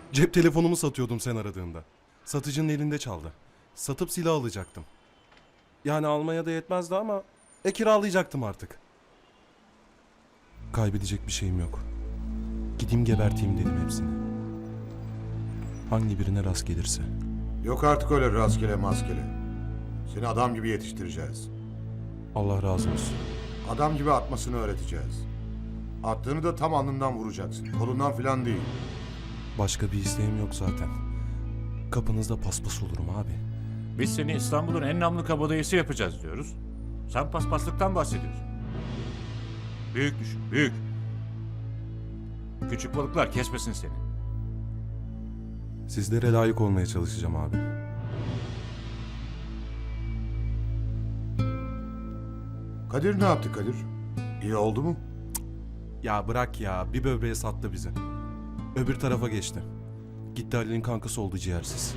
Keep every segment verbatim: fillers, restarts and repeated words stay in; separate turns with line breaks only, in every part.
Cep telefonumu satıyordum sen aradığında. Satıcının elinde çaldı. Satıp silah alacaktım. Yani almaya da yetmezdi ama e kiralayacaktım artık. Kaybedecek bir şeyim yok. Gideyim geberteyim dedim hepsini. Hangi birine rast gelirse.
Yok artık öyle rastgele maskele. Seni adam gibi yetiştireceğiz.
Allah razı olsun.
Adam gibi atmasını öğreteceğiz. Attığını da tam alnından vuracaksın. Kolundan filan değil.
Başka bir isteğim yok zaten. Kapınızda paspas olurum abi.
Biz seni İstanbul'un en namlı kabadayısı yapacağız diyoruz. Sen paspaslıktan bahsediyorsun. Büyük düşün, büyük. Küçük balıklar kesmesin seni.
Sizlere layık olmaya çalışacağım abi.
Kadir ne yaptı Kadir? İyi oldu mu?
Ya bırak ya, bir böbreğe sattı bizi. Öbür tarafa geçti. Gitti Halil'in kankası oldu ciğersiz.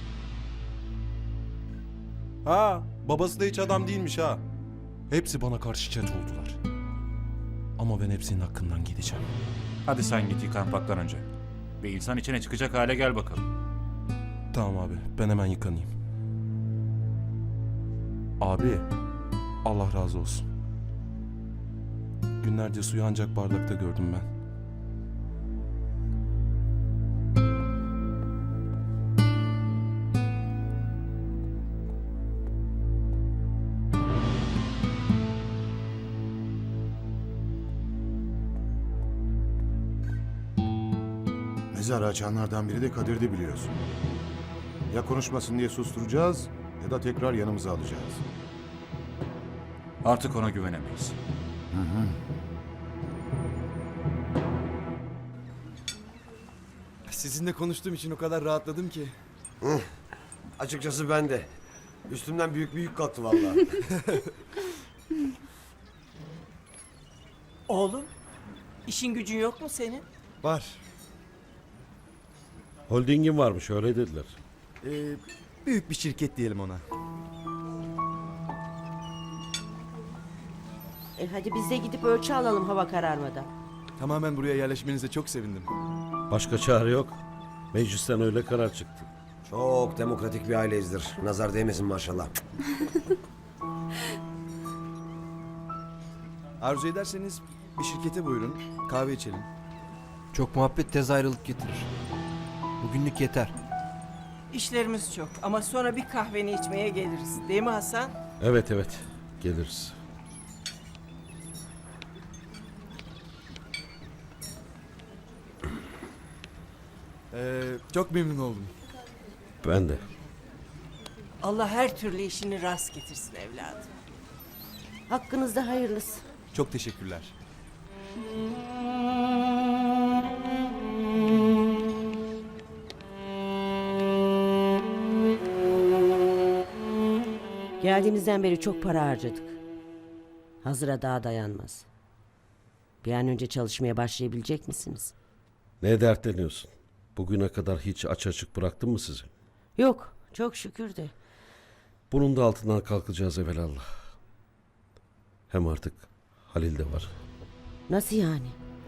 Ha, babası da hiç adam değilmiş ha. Hepsi bana karşı çet oldular. Ama ben hepsinin hakkından gideceğim.
Hadi sen git yıkanmaktan önce. Bir insan içine çıkacak hale gel bakalım.
Tamam abi, ben hemen yıkanayım. Abi, Allah razı olsun. Günlerce suyu ancak bardakta gördüm ben.
Mezarı açanlardan biri de Kadir'di biliyorsun. Ya konuşmasın diye susturacağız ya da tekrar yanımıza alacağız.
Artık ona güvenemeyiz.
Sizinle konuştuğum için o kadar rahatladım ki.
Açıkçası ben de. Üstümden büyük bir yük kalktı vallahi.
Oğlum, işin gücün yok mu senin?
Var.
Holdingin varmış öyle dediler.
Ee, büyük bir şirket diyelim ona.
E hadi biz de gidip ölçü alalım hava kararmadan.
Tamamen buraya yerleşmenize çok sevindim.
Başka çare yok. Meclisten öyle karar çıktı.
Çok demokratik bir aileyizdir. Nazar değmesin maşallah.
Arzu ederseniz bir şirkete buyurun, kahve içelim.
Çok muhabbet tez ayrılık getirir. Bugünlük yeter.
İşlerimiz çok ama sonra bir kahveni içmeye geliriz. Değil mi Hasan?
Evet evet geliriz.
Ee, çok memnun oldum.
Ben de.
Allah her türlü işini rast getirsin evladım.
Hakkınızda hayırlısı.
Çok teşekkürler.
Geldiğimizden beri çok para harcadık. Hazıra daha dayanmaz. Bir an önce çalışmaya başlayabilecek misiniz?
Ne dertleniyorsun? Bugüne kadar hiç aç açık bıraktım mı sizi?
Yok, çok şükür de.
Bunun da altından kalkacağız evelallah. Hem artık Halil de var.
Nasıl yani?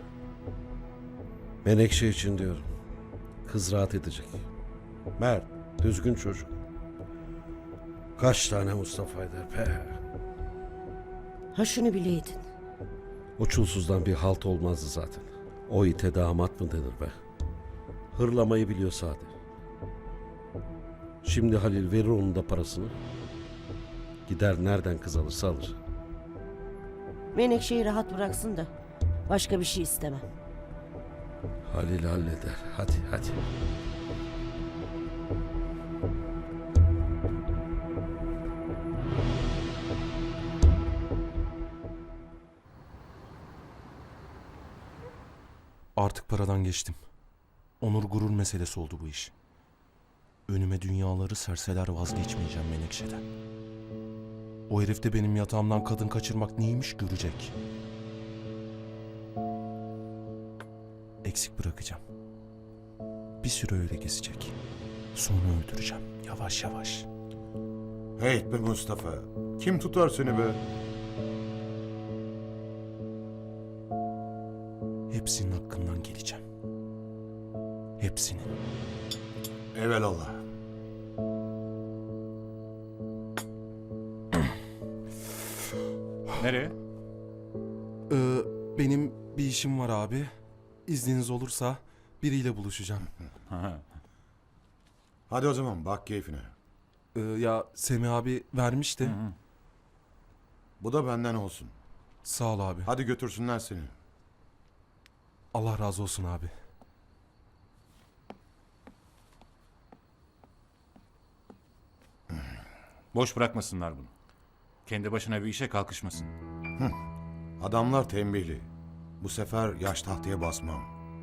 Menekşe için diyorum. Kız rahat edecek. Mert, düzgün çocuk. Kaç tane Mustafa'ydı pe.
Ha şunu bileydin.
O çulsuzdan bir halt olmazdı zaten. O ite damat mı denir be? Hırlamayı biliyor sade. Şimdi Halil verir onun da parasını. Gider nereden kız alırsa alır.
Menekşe'yi rahat bıraksın da başka bir şey istemem.
Halil halleder. Hadi hadi.
Artık paradan geçtim. Onur gurur meselesi oldu bu iş. Önüme dünyaları serseler vazgeçmeyeceğim Menekşe'den. O herif de benim yatağımdan kadın kaçırmak neymiş görecek. Eksik bırakacağım. Bir süre öyle gezecek. Sonra öldüreceğim yavaş yavaş.
Hey be Mustafa. Kim tutar seni be?
Hepsinin hakkından geleceğim. Hepsinin.
Evelallah.
Nereye?
Ee, benim bir işim var abi. İzniniz olursa biriyle buluşacağım.
Hadi o zaman bak keyfine.
Ee, ya Semih abi vermişti.
Bu da benden olsun.
Sağ ol abi.
Hadi götürsünler seni.
Allah razı olsun abi.
Boş bırakmasınlar bunu. Kendi başına bir işe kalkışmasın.
Adamlar tembihli. Bu sefer yaş tahtaya basmam.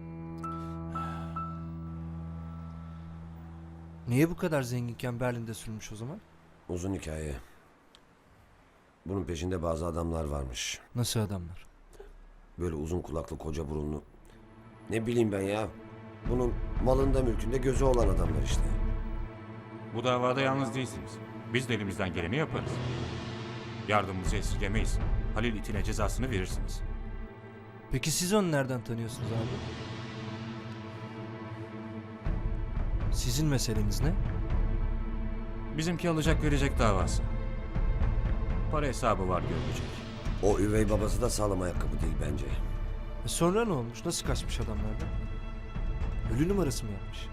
Niye bu kadar zenginken Berlin'de sürmüş o zaman?
Uzun hikaye. Bunun peşinde bazı adamlar varmış.
Nasıl adamlar?
Böyle uzun kulaklı koca burunlu. Ne bileyim ben ya. Bunun malında mülkünde gözü olan adamlar işte.
Bu davada yalnız değilsiniz. Biz de elimizden geleni yaparız. Yardımımızı esirgemeyiz. Halil itine cezasını verirsiniz.
Peki siz onu nereden tanıyorsunuz abi? Sizin meseleniz ne?
Bizimki alacak verecek davası. Para hesabı var görülecek.
O üvey babası da sağlam ayakkabı değil bence.
E sonra ne olmuş? Nasıl kaçmış adamlardan? Ölü numarası mı yapmış?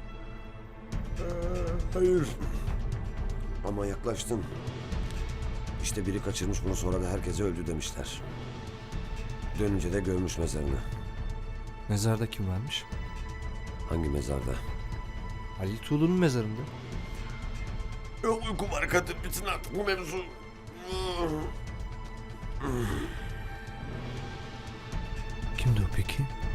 Hayır. Ama yaklaştın. İşte biri kaçırmış bunu, sonra da herkese öldü demişler. Dönünce de görmüş mezarını.
Mezarda kim varmış?
Hangi mezarda?
Halil Tuğlu'nun mezarında.
Uykum var kadın, bitsin artık bu mevzu.
Kimdi o peki?